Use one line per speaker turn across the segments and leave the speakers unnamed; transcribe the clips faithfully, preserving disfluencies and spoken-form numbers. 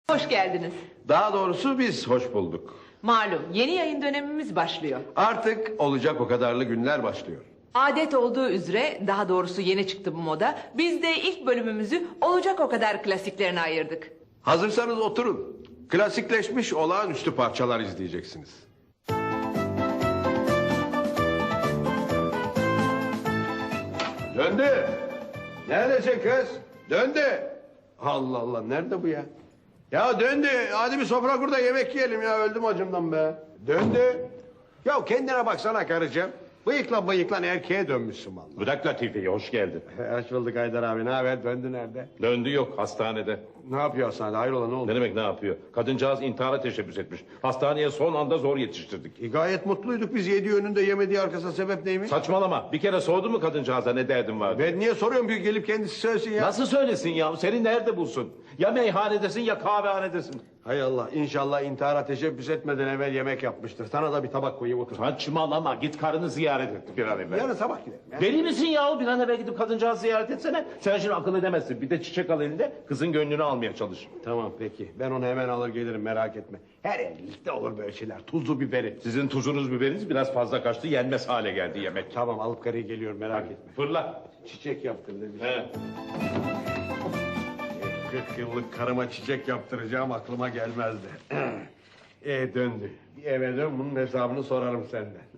Hoş geldiniz.
Daha doğrusu biz hoş bulduk.
Malum yeni yayın dönemimiz başlıyor.
Artık olacak o kadarlı günler başlıyor.
Adet olduğu üzere, daha doğrusu yeni çıktı bu moda. Biz de ilk bölümümüzü olacak o kadar klasiklerine ayırdık.
Hazırsanız oturun. Klasikleşmiş olağanüstü parçalar izleyeceksiniz. Döndü. Neredesin kız? Döndü. Allah Allah, nerede bu ya? Ya döndü. Hadi bir sofra kur da yemek yiyelim ya. Öldüm acımdan be. Döndü. Ya kendine baksana karıcığım. Bıyıkla bıyıkla erkeğe dönmüşsün vallahi.
Bırak Latife'yi, hoş geldin.
Hoş bulduk Haydar abi. Ne haber? Döndü nerede?
Döndü yok, hastanede.
Ne yapıyor hastanede? Hayrola, ne oldu?
Ne demek ne yapıyor? Kadıncağız intihara teşebbüs etmiş. Hastaneye son anda zor yetiştirdik.
E, gayet mutluyduk biz, yediği önünde yemediği arkasında, sebep neymiş?
Saçmalama, bir kere sordun mu kadıncağıza ne derdin var?
Ben niye soruyorum ki, gelip kendisi söylesin ya.
Nasıl söylesin ya? Seni nerede bulsun? Ya meyhanedesin ya kahvehanedesin.
Hay Allah, inşallah intihara teşebbüs etmeden evvel yemek yapmıştır. Sana da bir tabak koyayım, otur.
Saçmalama, git karını ziyaret et bir an evvel.
Yarın sabah gidelim ya.
Deli misin ya? Bir an evvel gidip kadıncağızı ziyaret etsene. Sen şimdi akıl edemezsin. Bir de çiçek al elinde, kızın gönlünü almaya çalış.
Tamam peki, ben onu hemen alır gelirim, merak etme. Her evlilikte olur böyle şeyler, tuzlu biberi.
Sizin tuzunuz biberiniz biraz fazla kaçtı, yenmez hale geldi yemek.
Tamam, alıp karıyı geliyorum, merak etme.
Fırla.
Çiçek yaptır demiş.
He.
kırk yıllık karıma çiçek yaptıracağım aklıma gelmezdi. e döndü. Bir eve dön, bunun hesabını sorarım senden.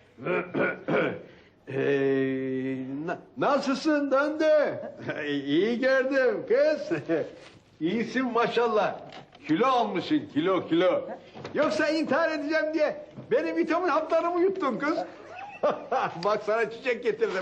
e, na- nasılsın döndü? İyi gördüm kız. İyisin maşallah. Kilo almışsın, kilo kilo. Yoksa intihar edeceğim diye benim vitamin haplarımı yuttun kız. Bak sana çiçek getirdim.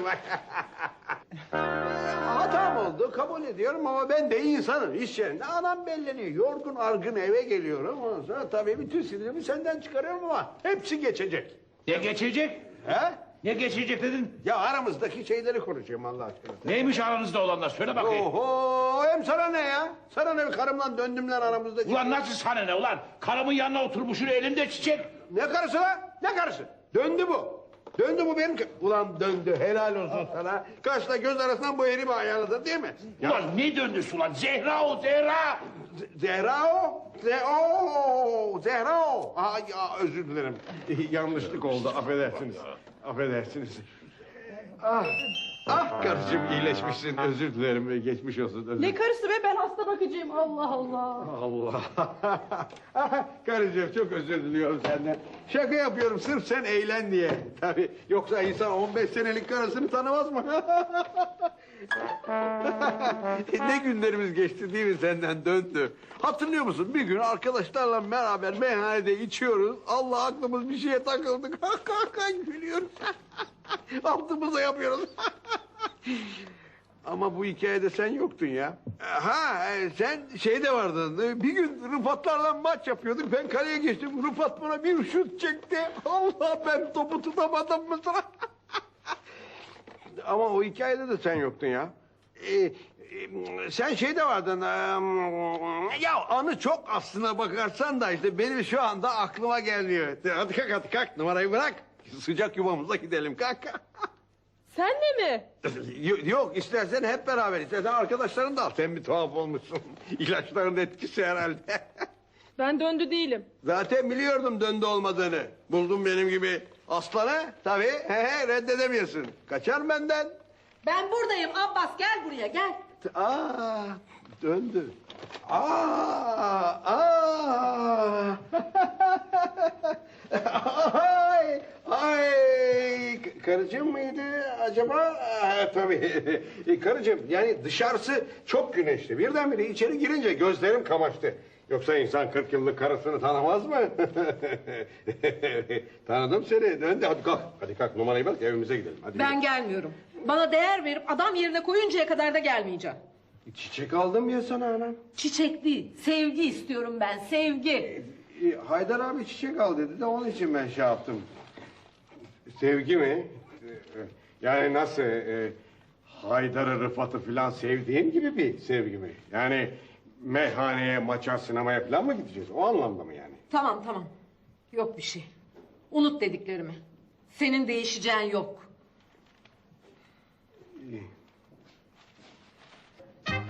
Hatam oldu, kabul ediyorum ama ben de insanım. İş yerinde anam belleniyor. Yorgun argın eve geliyorum. Ondan sonra tabii bütün sinirimi senden çıkarıyorum ama hepsi geçecek.
Ne geçecek?
He?
Ne geçecek dedin?
Ya aramızdaki şeyleri konuşuyorum Allah aşkına.
Neymiş aranızda olanlar? Söyle bakayım.
Oho, hem sana ne ya? Sana ne, karımla döndümler aramızdaki.
Ulan nasıl sana ne ulan? Karımın yanına oturmuşsun elinde çiçek.
Ne karısı lan? Ne karısı? Döndü bu. Döndü bu benim... kı- Ulan döndü, helal olsun sana. Kaşla göz arasından bu herifi ayarladın değil mi? Ya,
Ulan ne döndüsü ulan? Zehra o Zehra.
Z- Zehra o. Ze o. Zehra o. Aa, ya, özür dilerim. Yanlışlık oldu, affedersiniz. Affedersiniz. Ah, ah karıcığım, iyileşmişsin. Özür dilerim, geçmiş olsun. Özür.
Ne karısı be, ben hasta bakıcıyım. Allah Allah.
Allah. Karıcığım, çok özür diliyorum senden. Şaka yapıyorum sırf sen eğlen diye. Tabii, yoksa insan on beş senelik karısını tanımaz mı? Ne günlerimiz geçti değil mi, senden döndü. Hatırlıyor musun, bir gün arkadaşlarla beraber meyhanede içiyoruz. Allah, aklımız bir şeye takıldı. Gülüyoruz. Altımıza yapıyoruz. Ama bu hikayede sen yoktun ya. Ha, e, sen şeyde vardın. Bir gün Rıfatlarla maç yapıyorduk. Ben kaleye geçtim. Rıfat bana bir şut çekti. Allah, ben topu tutamadım mı sıra? Ama o hikayede de sen yoktun ya. Ee, e, sen şeyde vardın. e, ya anı çok, aslına bakarsan da işte benim şu anda aklıma gelmiyor. Hadi kalk, hadi kalk, numarayı bırak. Sıcak yuvamıza gidelim, kalk.
Sen de mi?
Yok, yok, istersen hep beraber, istersen arkadaşların da al. Sen bir tuhaf olmuşsun. İlaçların etkisi herhalde.
Ben döndü değilim.
Zaten biliyordum döndü olmadığını. Buldum benim gibi aslanı. Tabii, he he, reddedemiyorsun. Kaçar benden.
Ben buradayım Abbas, gel buraya gel.
Aa, döndü. Aa, aa. Ay, ay. Karıcığım mıydı acaba? Aa, tabii. E, karıcığım, yani dışarısı çok güneşli. Birdenbire içeri girince gözlerim kamaştı. Yoksa insan kırk yıllık karısını tanımaz mı? Tanıdım seni. Döndü. Hadi kalk. Hadi kalk, numarayı bak, evimize gidelim. Hadi
Ben gelmiyorum. Bana değer verip adam yerine koyuncaya kadar da gelmeyeceğim.
gidelim. Çiçek aldım ya sana anam.
Çiçek değil, sevgi istiyorum ben, sevgi.
E, Haydar abi çiçek al dedi de onun için ben şey yaptım. Sevgi mi? E, e, Yani nasıl? E, Haydar'ı, Rıfat'ı falan sevdiğim gibi bir sevgi mi? Yani meyhaneye, maça, sinemaya falan mı gideceğiz? O anlamda mı yani?
Tamam tamam, yok bir şey. Unut dediklerimi. Senin değişeceğin yok.